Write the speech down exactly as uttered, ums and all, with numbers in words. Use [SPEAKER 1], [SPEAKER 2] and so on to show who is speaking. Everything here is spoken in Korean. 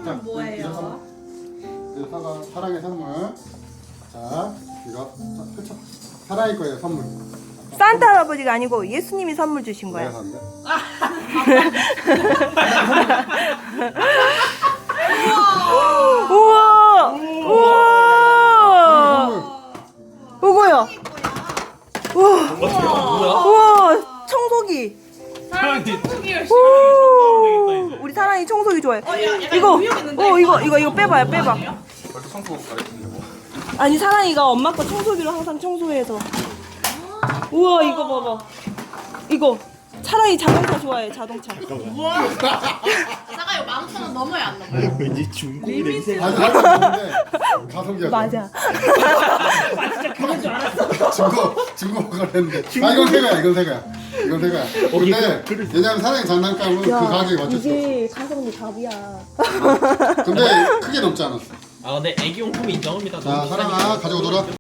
[SPEAKER 1] 선물은 뭐예요?
[SPEAKER 2] 이거 사과, 사랑의 선물. 자, 이거 자, 펼쳐. 사랑이 거예요, 선물.
[SPEAKER 3] 산타 할아버지가 아니고 예수님이 선물 주신
[SPEAKER 2] 내가
[SPEAKER 3] 거야.
[SPEAKER 2] 샀는데.
[SPEAKER 3] 우와! 우와! 이거야. 우와! 우와! 청소기. 오! 우리 사랑이 청소기 좋아해. 이거, 어 이거 이거 이거 빼봐요, 빼봐.
[SPEAKER 2] 벌써 청소 가르치는데 뭐.
[SPEAKER 3] 아니 사랑이가 엄마 거 청소기로 항상 청소해서. 우와 이거 봐봐. 이거 사랑이 자동차 좋아해, 자동차.
[SPEAKER 1] 잠깐 이거 만 오천 원 넘어야 안 넘어요?
[SPEAKER 4] 왠지 중국 냄새가.
[SPEAKER 2] 아니, 가성비인데 가성비야.
[SPEAKER 3] 맞아.
[SPEAKER 2] 중고 중고 가랬는데. 아 이건 새 거야, 이건 새 거야. 이건 새 거야. 근데 왜냐면 사랑의 장난감은 그 가격에 맞췄어.
[SPEAKER 3] 이게 가성비 갑이야.
[SPEAKER 2] 근데 크게 넘지 않았어.
[SPEAKER 4] 아 근데 애기용품이 인정합니다.
[SPEAKER 2] 자, 사랑아 가지고 놀아.